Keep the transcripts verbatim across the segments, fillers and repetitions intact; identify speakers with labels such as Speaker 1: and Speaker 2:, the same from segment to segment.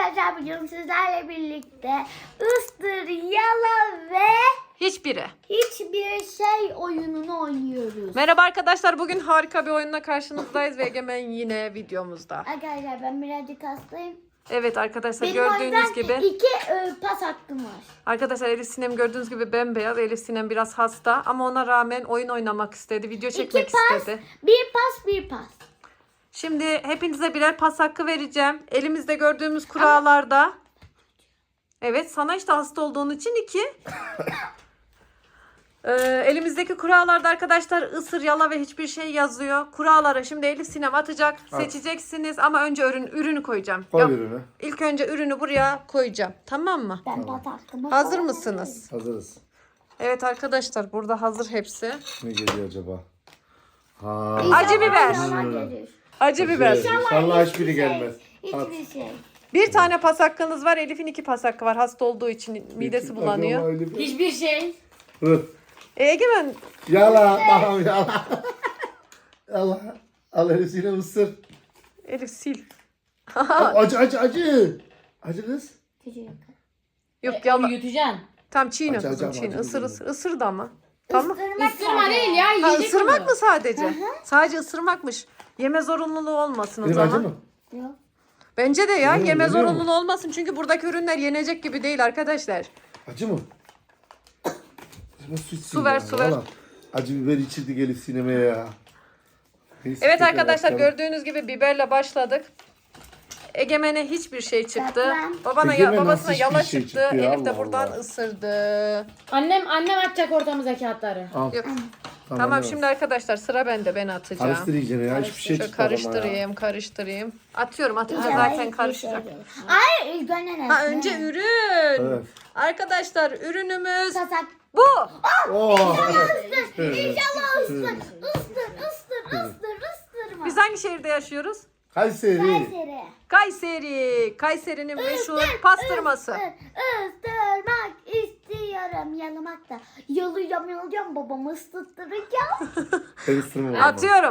Speaker 1: arkadaşlar bugün sizlerle birlikte ıstır, yala ve
Speaker 2: Hiçbiri.
Speaker 1: hiçbir şey oyununu oynuyoruz.
Speaker 2: Merhaba arkadaşlar, bugün harika bir oyunla karşınızdayız ve Egemen yine videomuzda.
Speaker 1: Arkadaşlar ben birazcık hastayım.
Speaker 2: Evet arkadaşlar,
Speaker 1: Benim o
Speaker 2: gördüğünüz
Speaker 1: yüzden
Speaker 2: gibi.
Speaker 1: iki e, pas hakkım var.
Speaker 2: Arkadaşlar Elif Sinem gördüğünüz gibi bembeyaz. Elif Sinem biraz hasta ama ona rağmen oyun oynamak istedi. Video çekmek
Speaker 1: İki pas,
Speaker 2: istedi.
Speaker 1: bir pas, bir pas.
Speaker 2: Şimdi hepinize birer pas hakkı vereceğim. Elimizde gördüğümüz kurallarda. Evet, sana işte hasta olduğun için iki. Ee, elimizdeki kurallarda arkadaşlar ısır, yala ve hiçbir şey yazıyor. Kurallara şimdi Elif Sinem atacak.
Speaker 3: At.
Speaker 2: Seçeceksiniz ama önce ürün ürünü koyacağım.
Speaker 3: Koy
Speaker 2: Yok,
Speaker 3: ürünü.
Speaker 2: İlk önce ürünü buraya koyacağım. Tamam mı?
Speaker 1: Ben pas hakkımı
Speaker 2: Hazır
Speaker 1: kullanabilirim.
Speaker 2: mısınız?
Speaker 3: Hazırız.
Speaker 2: Evet arkadaşlar, burada hazır hepsi.
Speaker 3: Ne geliyor acaba? Ha.
Speaker 1: İnşallah
Speaker 2: Acı biber.
Speaker 1: bana gelir.
Speaker 2: Acı biber.
Speaker 3: İnşallah hiçbiri
Speaker 1: hiçbir
Speaker 3: gelmez.
Speaker 1: Şey,
Speaker 3: At.
Speaker 1: hiçbir şey.
Speaker 2: Bir tane pas hakkınız var. Elif'in iki pas hakkı var. Hasta olduğu için midesi bulanıyor.
Speaker 4: Hiçbir şey.
Speaker 3: Hı.
Speaker 2: E, Egemen
Speaker 3: Yala. Tamam yala. Yala. Al elisiyle ısır.
Speaker 2: Elif sil.
Speaker 3: Acı acı acı. Acı kız.
Speaker 1: Küçük.
Speaker 2: Yok
Speaker 4: Onu
Speaker 2: yala.
Speaker 4: yutacaksın.
Speaker 2: Tam çiğne
Speaker 3: Acı,
Speaker 2: kızım
Speaker 3: acı,
Speaker 2: çiğne.
Speaker 3: acı
Speaker 2: Isır
Speaker 3: biber.
Speaker 2: ısır. Isır da ama. Tamam.
Speaker 1: Isırmak
Speaker 4: Isırma
Speaker 1: sadece.
Speaker 4: değil ya.
Speaker 2: Ha,
Speaker 4: Yiyecek
Speaker 2: ısırmak
Speaker 4: onu.
Speaker 2: mı sadece? Sadece ısırmakmış. Yeme zorunluluğu olmasın o
Speaker 3: Benim
Speaker 2: zaman.
Speaker 3: acı mı?
Speaker 1: Yok.
Speaker 2: Bence de ya
Speaker 3: Yemiyor,
Speaker 2: yeme
Speaker 3: yemiyor mu?
Speaker 2: zorunluluğu olmasın. Çünkü buradaki ürünler yenecek gibi değil arkadaşlar.
Speaker 3: Acı mı? Acaba su, içsin
Speaker 2: Su ver,
Speaker 3: ya,
Speaker 2: su ver.
Speaker 3: valla. Acı biber içirdik Elif sinemeye ya. Neyse,
Speaker 2: Evet
Speaker 3: tekrar
Speaker 2: arkadaşlar,
Speaker 3: başlayalım.
Speaker 2: gördüğünüz gibi biberle başladık. Egemen'e hiçbir şey çıktı.
Speaker 1: Yapma.
Speaker 2: Babana ya,
Speaker 3: Egemen
Speaker 2: babasına
Speaker 3: nasıl
Speaker 2: yala
Speaker 3: hiçbir şey
Speaker 2: çıktı.
Speaker 3: çıktı ya?
Speaker 2: Elif de
Speaker 3: Allah
Speaker 2: buradan
Speaker 3: Allah.
Speaker 2: ısırdı.
Speaker 4: Annem annem atacak ortamıza kağıtları.
Speaker 3: Al.
Speaker 2: Yok.
Speaker 3: Tamam,
Speaker 2: Tamam
Speaker 3: evet.
Speaker 2: şimdi arkadaşlar sıra bende, ben atacağım.
Speaker 3: Karıştır iyice ya. Hiçbir şey
Speaker 2: Şöyle
Speaker 3: çıkmadı ama ya.
Speaker 2: karıştırayım, karıştırayım. Atıyorum, atınca
Speaker 1: İnşallah
Speaker 2: zaten
Speaker 1: hiçbir
Speaker 2: karışacak.
Speaker 1: şey gelir. Hayır ilk önce ne?
Speaker 2: Ha, önce ürün.
Speaker 3: Evet.
Speaker 2: Arkadaşlar ürünümüz
Speaker 1: Sasak.
Speaker 2: bu.
Speaker 3: Oh.
Speaker 1: İnşallah ıstır, ıstır, ıstır, ıstır, ıstırma.
Speaker 2: Biz hangi şehirde yaşıyoruz?
Speaker 3: Kayseri.
Speaker 1: Kayseri.
Speaker 2: Kayseri. Kayseri'nin meşhur pastırması.
Speaker 1: Isırmak istiyorum, yalamak da. Yalayacağım, yalayacağım, babamı ısıttıracağım.
Speaker 3: Ben ısırmam ama.
Speaker 2: Atıyorum.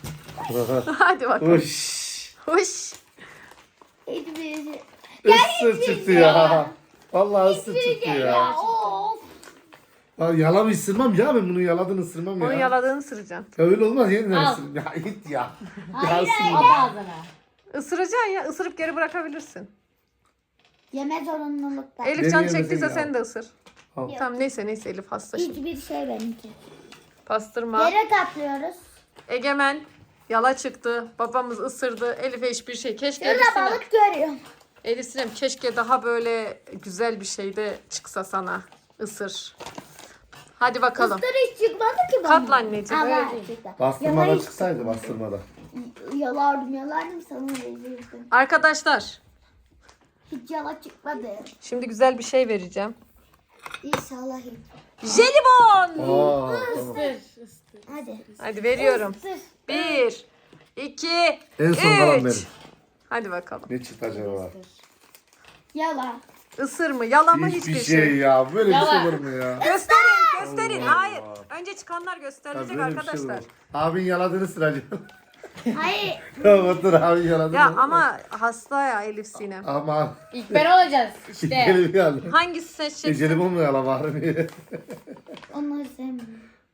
Speaker 2: Hadi bakalım.
Speaker 3: Uş.
Speaker 2: Hoş.
Speaker 1: Hiçbir şey.
Speaker 3: Isır çıktı ya. Vallahi ısır çıktı
Speaker 1: Ya,
Speaker 3: ya.
Speaker 1: of.
Speaker 3: Ya yalan ısırmam ya, ben bunu yaladın ısırmam ya.
Speaker 2: Onu yaladığını ısıracaksın.
Speaker 3: Ya öyle olmaz, yeniden
Speaker 4: Al.
Speaker 3: ısırırım. Ya git ya.
Speaker 1: Hayır,
Speaker 3: Ya ısırma.
Speaker 4: At ağzına.
Speaker 2: Isıracaksın ya. Isırıp geri bırakabilirsin.
Speaker 1: Yeme zorunlulukta.
Speaker 2: Elif
Speaker 3: Beni
Speaker 2: can
Speaker 3: yemedin
Speaker 2: çektiyse
Speaker 3: ya.
Speaker 2: sen de ısır.
Speaker 3: Al.
Speaker 2: Tamam neyse neyse Elif hasta şimdi.
Speaker 1: Hiçbir şey benimki.
Speaker 2: Pastırma.
Speaker 1: Yere katlıyoruz.
Speaker 2: Egemen yala çıktı. Babamız ısırdı. Elif'e hiçbir şey. Keşke
Speaker 1: Şurada
Speaker 2: Elif Sinem.
Speaker 1: balık görüyorum.
Speaker 2: Elif Sinem, keşke daha böyle güzel bir şey de çıksa sana. Isır. Hadi bakalım.
Speaker 1: Isır hiç çıkmadı ki bana.
Speaker 2: Katla anneciğim,
Speaker 1: Ha,
Speaker 2: öyle
Speaker 1: var,
Speaker 2: değil.
Speaker 1: çıktı.
Speaker 3: Bastırmada
Speaker 1: Yalayı-
Speaker 3: çıksaydı bastırmada.
Speaker 1: Yalardım yalardım sana verirdim.
Speaker 2: Arkadaşlar
Speaker 1: Hiç yala çıkmadı.
Speaker 2: şimdi güzel bir şey vereceğim.
Speaker 1: İnşallah hiç.
Speaker 2: Jelibon.
Speaker 3: Aa, tamam.
Speaker 4: Isır. ısır.
Speaker 1: Hadi.
Speaker 2: Hadi veriyorum.
Speaker 1: Isır.
Speaker 2: Bir, iki,
Speaker 3: En son kalan
Speaker 2: üç.
Speaker 3: benim.
Speaker 2: Hadi bakalım.
Speaker 3: Ne çıktı acaba?
Speaker 1: Yala.
Speaker 2: Isır mı? Yala mı?
Speaker 3: Hiçbir
Speaker 2: Hiçbir
Speaker 3: şey
Speaker 2: şey.
Speaker 3: ya. Böyle bir
Speaker 4: Yalan.
Speaker 3: şey olur mu ya?
Speaker 2: Gösterin, gösterin.
Speaker 3: Allah
Speaker 2: Hayır.
Speaker 3: Allah.
Speaker 2: Önce çıkanlar
Speaker 3: Ya
Speaker 2: gösterilecek
Speaker 3: böyle bir şey
Speaker 2: arkadaşlar.
Speaker 3: olur. Abin yaladığını sıracağım.
Speaker 1: Hayır.
Speaker 3: Otur abin yaladığını.
Speaker 2: Ya ama hasta ya Elif Sinem.
Speaker 3: Ama.
Speaker 4: İlk ben olacağız işte.
Speaker 3: Gelip geldi.
Speaker 2: Hangisi seçeceksin?
Speaker 3: Jelibon mu yala bari?
Speaker 1: Onları sevmiyorum.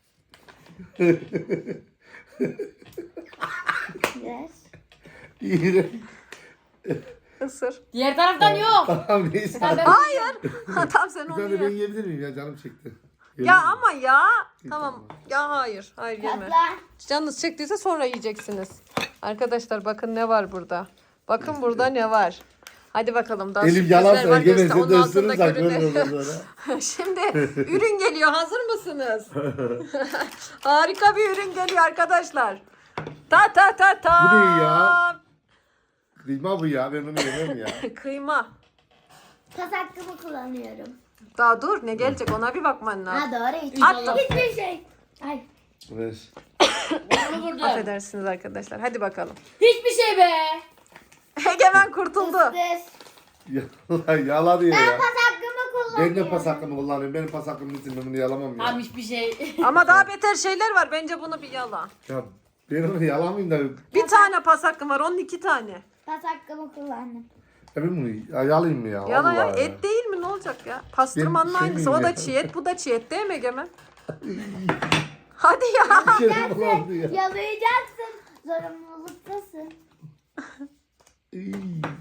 Speaker 1: Ver.
Speaker 3: İğrenç.
Speaker 2: Isır.
Speaker 4: Diğer taraftan yok.
Speaker 3: Tamam neyse.
Speaker 4: Ben-
Speaker 2: Hayır. tamam sen
Speaker 3: Bir
Speaker 2: onu
Speaker 3: tane ben
Speaker 2: ye.
Speaker 3: yiyebilir miyim ya, canım çekti.
Speaker 2: Ya ama ya. Tamam. Ya hayır. Hayır yeme.
Speaker 1: Katla.
Speaker 2: Canınız çektiyse sonra yiyeceksiniz. Arkadaşlar bakın ne var burada. Bakın burada ne var. Hadi bakalım. Daha
Speaker 3: Elim
Speaker 2: sürprizler
Speaker 3: yalarsa
Speaker 2: var.
Speaker 3: Egemen
Speaker 2: Göster-
Speaker 3: sen de
Speaker 2: onun altındaki
Speaker 3: ısırırsak böyle
Speaker 2: ürünleri.
Speaker 3: olur sonra.
Speaker 2: Şimdi ürün geliyor. Hazır mısınız? Harika bir ürün geliyor arkadaşlar. Ta ta ta ta.
Speaker 3: Bu ne ya? Kıyma bu ya, ben onu yemem ya.
Speaker 2: Kıyma.
Speaker 1: Pas hakkımı kullanıyorum.
Speaker 2: Daha dur, ne gelecek ona bir bakman lazım.
Speaker 1: Ha doğru hiç.
Speaker 2: Attım.
Speaker 1: Hiçbir şey. Ay.
Speaker 3: Ver.
Speaker 4: Bunu vurdum.
Speaker 2: Affedersiniz arkadaşlar. Hadi bakalım.
Speaker 4: Hiçbir şey be.
Speaker 2: Egemen kurtuldu.
Speaker 1: Isır.
Speaker 3: Yala, yala diyor
Speaker 1: Ben
Speaker 3: ya.
Speaker 1: pas hakkımı
Speaker 3: Ben
Speaker 1: kullanıyorum.
Speaker 3: de pas hakkımı kullanıyorum. Benim pas hakkım için ben bunu yalamam ya.
Speaker 4: Tamam hiçbir şey.
Speaker 2: Ama daha beter şeyler var. Bence bunu bir yala.
Speaker 3: Ya ben onu yalamayayım da.
Speaker 2: Bir tane pas hakkım var. Onun iki tane.
Speaker 1: Pas hakkımı kullandım.
Speaker 3: Ya ben bunu ya, yalayayım mı ya?
Speaker 2: Yala ya
Speaker 3: Vallahi
Speaker 2: et değil mi ne olacak ya? Pastırmanın
Speaker 3: Ben şey
Speaker 2: aynısı. O
Speaker 3: miyim
Speaker 2: da
Speaker 3: ya?
Speaker 2: çiğ et, bu da çiğ et değil mi Egemen? Hadi ya.
Speaker 3: İçerim bulandı ya.
Speaker 1: Yalayacaksın. Zorunluluktasın.
Speaker 3: İy.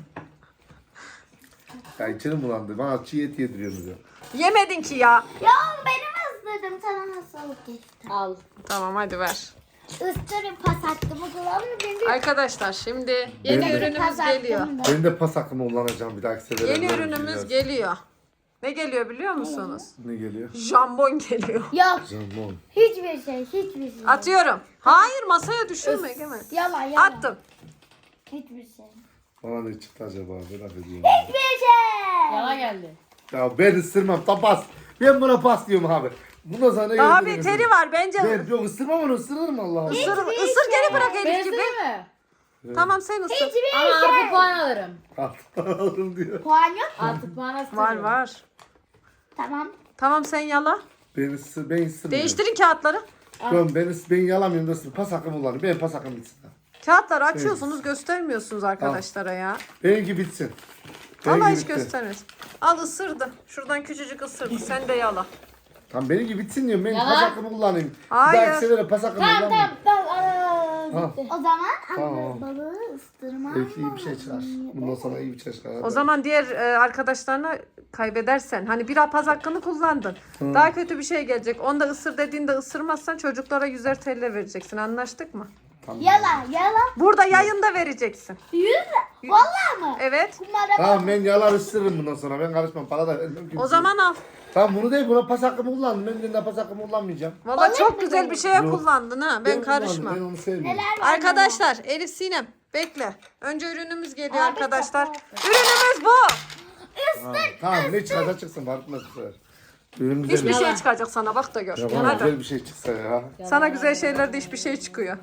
Speaker 3: Ya içerim bulandı. Bana çiğ et yediriyorsunuz ya.
Speaker 2: Yemedin ki ya.
Speaker 1: Ya benim ısırdım. Sana hastalık geçti.
Speaker 4: Al.
Speaker 2: Tamam hadi ver.
Speaker 1: Isırın pas hakkımı kullanmıyor. Benim
Speaker 2: Arkadaşlar şimdi yeni
Speaker 3: Ben de-
Speaker 2: ürünümüz
Speaker 1: pas
Speaker 2: geliyor.
Speaker 1: hakkım da.
Speaker 3: Ben de pas hakkımı kullanacağım bir dahaki sefere.
Speaker 2: Yeni
Speaker 3: Böyle
Speaker 2: ürünümüz
Speaker 3: biraz-
Speaker 2: geliyor. Ne geliyor biliyor musunuz?
Speaker 3: Ne geliyor?
Speaker 2: Jambon geliyor.
Speaker 1: Yok.
Speaker 3: Jambon.
Speaker 1: Hiçbir şey. Hiçbir şey.
Speaker 2: Atıyorum. Hayır masaya düşürme Egemen.
Speaker 1: Yalan yalan.
Speaker 2: Attım.
Speaker 1: Hiçbir şey.
Speaker 3: Bana ne çıktı acaba? Merak ediyorum.
Speaker 1: Hiçbir şey.
Speaker 4: Yalan geldi.
Speaker 3: Ya ben ısırmam. Tam pas. Ben buna pas diyorum abi. Bundan sonra ne
Speaker 2: Daha
Speaker 3: gördünüz?
Speaker 2: beteri var bence.
Speaker 3: Ben yok ısırmam onu ısırırım Allah'ım.
Speaker 2: Isır, ısır geri bırak
Speaker 4: Ben
Speaker 2: Elif gibi.
Speaker 4: ısırayım mı?
Speaker 2: Tamam sen ısır.
Speaker 1: Hiçbir
Speaker 4: Ama
Speaker 1: şey.
Speaker 4: artı puan alırım.
Speaker 3: Alırım diyor.
Speaker 1: Puan yok.
Speaker 4: Artı puan ısırırım.
Speaker 2: Var var.
Speaker 1: Tamam.
Speaker 2: Tamam sen yala.
Speaker 3: Ben ısır, ben ısırmıyorum.
Speaker 2: Değiştirin kağıtları.
Speaker 3: Ben, ben, ıs- ben yalamıyorum da ısır. Pas hakkımı kullanıyorum. Benim pas hakkım bitsin.
Speaker 2: Kağıtları açıyorsunuz göstermiyorsunuz arkadaşlara ya.
Speaker 3: Benimki bitsin.
Speaker 2: Vallahi
Speaker 3: Benimki
Speaker 2: hiç
Speaker 3: bitti.
Speaker 2: göstermez. Al ısırdı. Şuradan küçücük ısırdı. Sen de yala.
Speaker 3: Tamam benimki bitsin diyorum. Ben
Speaker 4: Yalan.
Speaker 3: pas hakkımı kullanayım.
Speaker 2: Hayır.
Speaker 3: Bir dahaki sefere pas hakkımı
Speaker 4: Tamam
Speaker 3: kullanmayayım.
Speaker 4: tamam tamam. Aa,
Speaker 3: Ha.
Speaker 4: bitti.
Speaker 1: O zaman
Speaker 3: Tamam.
Speaker 1: balığı ıstırmam.
Speaker 3: Belki iyi bir şey çıkar. Bundan sonra iyi bir şey çıkar.
Speaker 2: O zaman diğer e, arkadaşlarına kaybedersen hani bir apaz hakkını kullandın. Daha kötü bir şey gelecek. Onda ısır dediğinde ısırmazsan çocuklara yüzer T L vereceksin. Anlaştık mı?
Speaker 3: Tamam.
Speaker 1: Yalan yalan.
Speaker 2: Burada yayında vereceksin.
Speaker 1: Yüz. Vallahi mı?
Speaker 2: Evet.
Speaker 1: Kumara
Speaker 3: Tamam ben yalar ısırırım bundan sonra. Ben karışmam. Para da vermem.
Speaker 2: O zaman al.
Speaker 3: Tamam bunu değil. Buna pas hakkımı kullandım. Ben de pas hakkımı kullanmayacağım.
Speaker 2: Valla çok
Speaker 1: mı
Speaker 2: güzel
Speaker 1: böyle?
Speaker 2: bir şeye
Speaker 3: Yok.
Speaker 2: kullandın ha. Ben
Speaker 3: kullandım,
Speaker 2: karışmam.
Speaker 3: Ben onu sevmiyorum.
Speaker 1: neler var?
Speaker 2: Arkadaşlar Elif Sinem bekle. Önce ürünümüz geliyor
Speaker 1: Abi,
Speaker 2: arkadaşlar.
Speaker 1: kapat.
Speaker 2: Ürünümüz bu.
Speaker 3: Ha, tamam ne çıkarsa çıksın. Fark etmez bu sefer. Benim güzel
Speaker 2: Hiçbir
Speaker 3: bir
Speaker 2: şey çıkacak sana bak da gör.
Speaker 3: Ya bana
Speaker 2: Hadi.
Speaker 3: güzel bir şey çıksa ya.
Speaker 2: Sana güzel şeylerde hiçbir şey çıkıyor.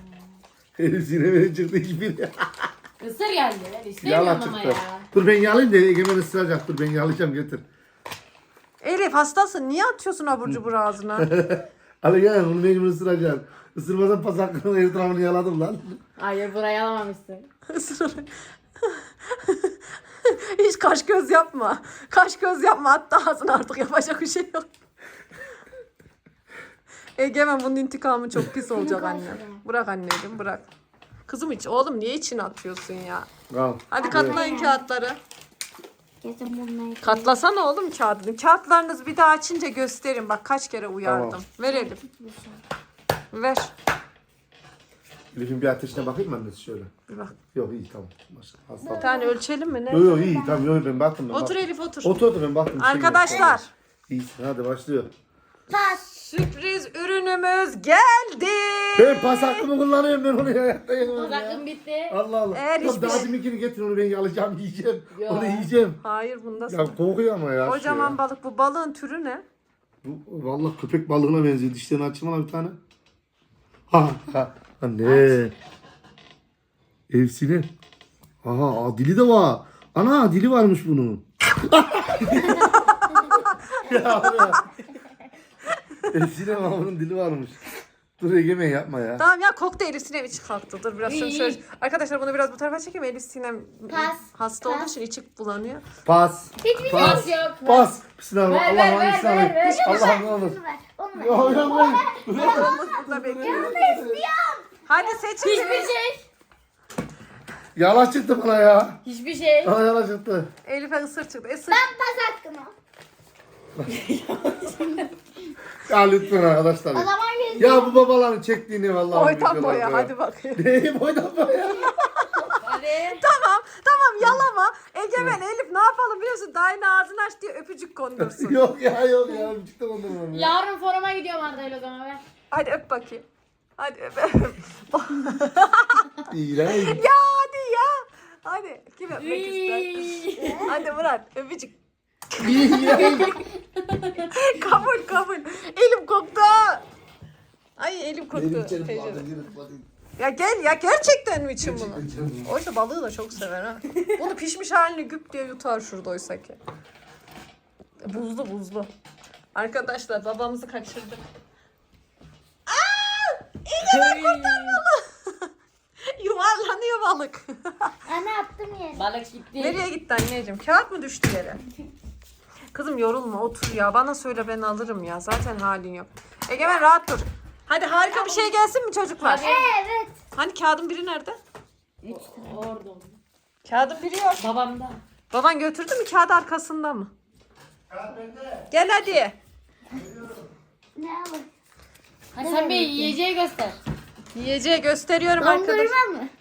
Speaker 3: Elif sineme çıktı hiçbir.
Speaker 4: Isır geldi. İstemiyorum
Speaker 3: Yala
Speaker 4: ama
Speaker 3: çıktı.
Speaker 4: ya.
Speaker 3: Dur ben yalayayım da Egemen ısıracak. Dur ben yalayacağım getir.
Speaker 2: Elif hastasın. Niye atıyorsun abur cubur ağzına?
Speaker 3: Hadi gel bunu mecbur ısıracaksın. Isırmasan pas hakkını etrafını yaladım lan.
Speaker 4: Hayır burayı alamamışsın.
Speaker 2: Hiç kaş göz yapma. Kaş göz yapma. Hatta ağzına artık yapacak bir şey yok. Egemen bunun intikamı çok pis olacak anne. Bırak anneciğim bırak. Kızım hiç oğlum niye içine atıyorsun ya?
Speaker 3: Al.
Speaker 2: Hadi katlayın kağıtları.
Speaker 1: Kesin bunları.
Speaker 2: Katlasana oğlum kağıdını. Kağıtlarınızı bir daha açınca gösterin. Bak kaç kere uyardım.
Speaker 3: Tamam.
Speaker 2: Ver Elif. Ver.
Speaker 3: Elif'in bir ateşine bakayım mı annesi şöyle?
Speaker 2: Bir bak.
Speaker 3: Yok iyi tamam. Hasta.
Speaker 2: Bir tane ölçelim mi ne?
Speaker 3: Yok yok iyi tamam yok ben baktım. Ben
Speaker 2: Otur
Speaker 3: baktım.
Speaker 2: Elif otur.
Speaker 3: Otur otur ben baktım. bir şey yok.
Speaker 2: Arkadaşlar
Speaker 3: İyisin hadi başlıyor.
Speaker 1: Pas.
Speaker 2: sürpriz ürünümüz geldi.
Speaker 3: Ben pas hakkımı kullanıyorum ben onu hayatta yemem ya.
Speaker 4: Zakın bitti.
Speaker 3: Allah Allah.
Speaker 2: Eğer
Speaker 3: Yok,
Speaker 2: hiçbir
Speaker 3: daha
Speaker 2: şey-
Speaker 3: deminkini getir onu ben yalayacağım yiyeceğim.
Speaker 4: Ya.
Speaker 3: Onu yiyeceğim.
Speaker 2: Hayır bunda
Speaker 3: Ya kokuyor ama ya.
Speaker 2: kocaman
Speaker 3: şu ya.
Speaker 2: balık. Bu balığın türü ne?
Speaker 3: Bu vallahi köpek balığına benziyor. Dişlerini açayım bana bir tane. Ha ha. Anne. Evsine. Aha aa, dili de var. Ana dili varmış bunun. ya ya. Evsine var bunun dili varmış. Dur Egemen yapma ya.
Speaker 2: Tamam ya koktu Elif Sinem içi kalktı. Dur biraz şunu şöyle. Arkadaşlar bunu biraz bu tarafa çekeyim. Elif Sinem
Speaker 1: Pas.
Speaker 2: hasta olduğu için içi bulanıyor.
Speaker 3: Pas.
Speaker 1: Hiçbir
Speaker 3: Pas.
Speaker 4: şey yok.
Speaker 3: Pas. Bismillah.
Speaker 4: Ver,
Speaker 3: Allah
Speaker 4: ver,
Speaker 3: Allah
Speaker 4: ver,
Speaker 3: İslam'ı.
Speaker 4: ver, ver.
Speaker 3: Allah ne olur.
Speaker 1: Onu ver. Onu ver.
Speaker 3: Yok yok yok.
Speaker 2: Burada bekliyor. Hadi seçin.
Speaker 4: Hiçbir şey.
Speaker 3: Yalan çıktı bana ya.
Speaker 4: Hiçbir şey.
Speaker 3: Bana yalan çıktı.
Speaker 2: Elif'e ısır çıktı. Isır.
Speaker 1: Ben pas hakkımı.
Speaker 3: Ya lütfen arkadaşlar.
Speaker 1: O zaman yüz.
Speaker 3: Ya bu babaların çektiğini vallahi.
Speaker 2: Boydan
Speaker 3: videolarda
Speaker 2: boya
Speaker 3: ya.
Speaker 2: hadi bakayım.
Speaker 3: Neyi boydan boya?
Speaker 4: Hadi.
Speaker 2: Tamam tamam yalama. Egemen Elif ne yapalım biliyorsun? Daha yine ağzını aç diye öpücük kondursun.
Speaker 3: yok ya yok ya. Çıktı ondan ya.
Speaker 4: Yarın foruma gidiyorum Arda'yla o zaman ver.
Speaker 2: Hadi öp bakayım. Hadi öp.
Speaker 3: İğrenç.
Speaker 2: Ya hadi ya. Hadi kim öpmek ister? Hadi Murat öpücük.
Speaker 3: İğrenç.
Speaker 2: Kabul kabul. Elim koktu. Ay elim koktu.
Speaker 3: Benim içerim
Speaker 2: Teyze.
Speaker 3: vardı, yürü, hadi.
Speaker 2: Ya gel ya gerçekten mi için bunu?
Speaker 3: Gerçekten içerim.
Speaker 2: Oysa balığı da çok sever ha. Bunu pişmiş halini güp diye yutar şurada oysa ki. Buzlu buzlu. Arkadaşlar babamızı kaçırdık. Aa! İğne kurtarmalı. Yuvarlanıyor gidiyor balık.
Speaker 1: Anne attım yere.
Speaker 4: Balık gitti.
Speaker 2: Nereye gitti anneciğim? Kağıt mı düştü yere? Kızım yorulma otur ya. Bana söyle ben alırım ya. Zaten halin yok. Egemen rahat dur. Hadi harika bir şey gelsin mi çocuklar?
Speaker 4: Hadi.
Speaker 1: Evet.
Speaker 2: Hani kağıdın biri nerede?
Speaker 4: Orada.
Speaker 2: Kağıdın biri yok.
Speaker 4: Babamda.
Speaker 2: Baban götürdü mü kağıdı arkasında mı? Gel hadi.
Speaker 1: Ne alayım?
Speaker 4: Hadi sen bir yiyeceği göster.
Speaker 2: Yiyeceği gösteriyorum arkadaşlar.
Speaker 1: Dondurma mı?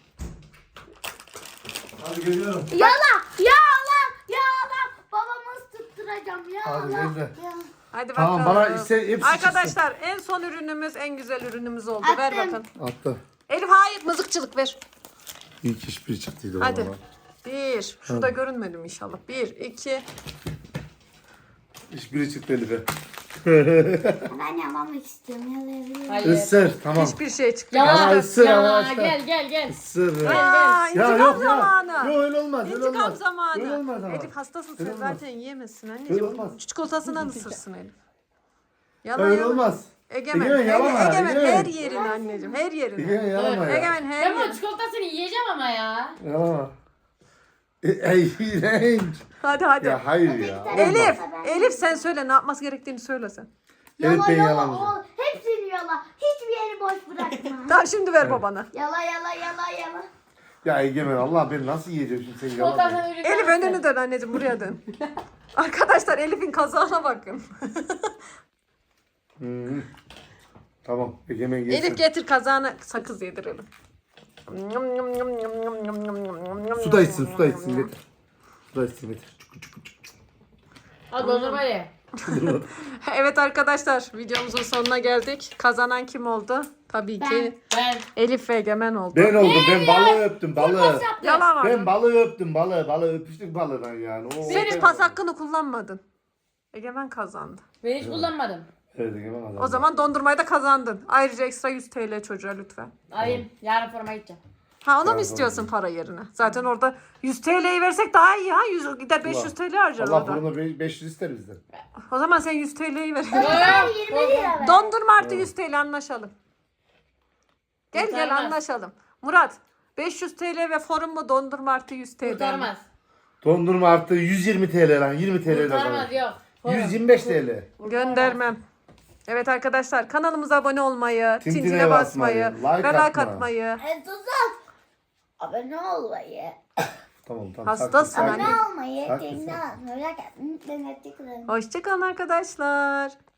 Speaker 3: Hadi geliyorum.
Speaker 1: Yala. Yala. Yala. Babamı ısıttıracağım.
Speaker 3: Hadi
Speaker 1: Yala.
Speaker 3: ben de.
Speaker 1: Yala.
Speaker 2: Hadi
Speaker 3: Tamam,
Speaker 2: bakalım.
Speaker 3: bana ise hepsi
Speaker 2: Arkadaşlar en son ürünümüz en güzel ürünümüz oldu. Ver
Speaker 1: Attım.
Speaker 2: bakın.
Speaker 3: Attı.
Speaker 2: Elif hayır mızıkçılık ver.
Speaker 3: İlk iş bir çıktıydı
Speaker 2: Hadi.
Speaker 3: bana.
Speaker 2: Bir. Şurada görünmedim inşallah. Bir, iki.
Speaker 3: İş biri çıktı Elif'e.
Speaker 1: Ben yalamak istiyorum. Yalayabilirim.
Speaker 4: Hayır.
Speaker 3: Isır tamam.
Speaker 2: Hiçbir şey çıktı.
Speaker 4: Yalan.
Speaker 3: Ama ısır, ama
Speaker 4: Yalan.
Speaker 3: ısır.
Speaker 4: Gel gel gel.
Speaker 3: Isır.
Speaker 2: Aa,
Speaker 3: Ya
Speaker 2: intikam
Speaker 3: yok
Speaker 2: zamanı.
Speaker 3: ya. Yok öyle olmaz. Öyle
Speaker 2: İntikam
Speaker 3: olmaz.
Speaker 2: zamanı.
Speaker 3: Öyle olmaz ama.
Speaker 2: Elif hastasın sen
Speaker 3: Öyle olmaz.
Speaker 2: zaten yiyemezsin
Speaker 3: Öyle
Speaker 2: anneciğim.
Speaker 3: olmaz.
Speaker 2: Çikolatasından ısırsın Elif. Yalan
Speaker 3: Öyle
Speaker 2: yalan.
Speaker 3: olmaz.
Speaker 2: Egemen,
Speaker 3: Egemen,
Speaker 2: Ege-
Speaker 3: yalama,
Speaker 2: Egemen,
Speaker 3: Egemen.
Speaker 2: her yerini anneciğim, her yerini.
Speaker 3: Egemen yalama ya.
Speaker 2: Egemen her
Speaker 4: Ben bu
Speaker 2: yerini.
Speaker 4: çikolatasını yiyeceğim ama ya.
Speaker 3: Yalama. E, Ey iğrenç.
Speaker 2: Hadi hadi.
Speaker 3: Ya hayır ya.
Speaker 2: Elif,
Speaker 1: Ben-
Speaker 2: Elif sen söyle ne yapması gerektiğini söyle sen.
Speaker 3: Evet,
Speaker 1: Yala
Speaker 3: ben
Speaker 1: yala.
Speaker 3: yalamayacağım.
Speaker 1: O, hepsini yala. Hiçbir yeri boş bırakma.
Speaker 2: Tamam şimdi ver babana.
Speaker 1: Yala yala yala yala.
Speaker 3: Ya Egemen Allah ben nasıl yiyeceğim şimdi seni yalamayı.
Speaker 4: Çikolatasını ürün
Speaker 2: Elif önünü dön anneciğim buraya dön. Arkadaşlar Elif'in kazağına bakın.
Speaker 3: Hı. Tamam Egemen yesin.
Speaker 2: Elif getir kazağına sakız yedirelim.
Speaker 3: Su da içsin su da içsin getir. Su da içsin getir. Çukur çukur çukur.
Speaker 4: Al dondurma ye.
Speaker 2: Evet arkadaşlar videomuzun sonuna geldik. Kazanan kim oldu? Tabii ki
Speaker 4: Ben.
Speaker 2: Elif ve Egemen oldu.
Speaker 3: Ben oldum ben balığı öptüm balığı.
Speaker 2: Yalan var.
Speaker 3: Ben balığı öptüm balığı balığı öpüştük balığından yani. O,
Speaker 2: Sen hiç
Speaker 3: ben-
Speaker 2: pas hakkını kullanmadın. Egemen kazandı.
Speaker 4: Ben hiç kullanmadım.
Speaker 3: Evet Egemen adam.
Speaker 2: O zaman dondurmayı da kazandın. Ayrıca ekstra yüz T L çocuğa lütfen.
Speaker 4: Alayım. Yarın forma gideceğim.
Speaker 2: Ha ona mı
Speaker 3: Tamam,
Speaker 2: istiyorsun para yerine? Zaten orada yüz T L'yi versek daha iyi ha. yüz, gider beş yüz T L harcar
Speaker 3: Allah
Speaker 2: orada.
Speaker 3: bunu be- beş yüz ister bizden.
Speaker 2: O zaman sen yüz T L'yi ver.
Speaker 1: Ben yirmi lira ver.
Speaker 2: Dondurma artı yüz T L anlaşalım. Gel gel
Speaker 4: Kurtarmaz.
Speaker 2: anlaşalım. Murat beş yüz T L ve forum mu dondurma artı yüz T L?
Speaker 4: Kurtarmaz.
Speaker 3: Dondurma artı yüz yirmi T L lan yirmi T L
Speaker 4: Kurtarmaz yok.
Speaker 3: yüz yirmi beş T L.
Speaker 2: Göndermem. Evet arkadaşlar kanalımıza abone olmayı,
Speaker 3: Tintine
Speaker 2: tintine basmayı,
Speaker 3: basmayı, like
Speaker 2: ve like
Speaker 3: atma.
Speaker 2: atmayı.
Speaker 1: E, tuzak. Abone olmayı.
Speaker 3: Tamam tamam.
Speaker 2: Hastasın
Speaker 3: sakin,
Speaker 2: anne.
Speaker 3: sakin.
Speaker 1: Abone olmayı.
Speaker 3: Haklısın.
Speaker 1: Kendine atmayı. Merak etmeyin.
Speaker 2: Hoşçakalın arkadaşlar.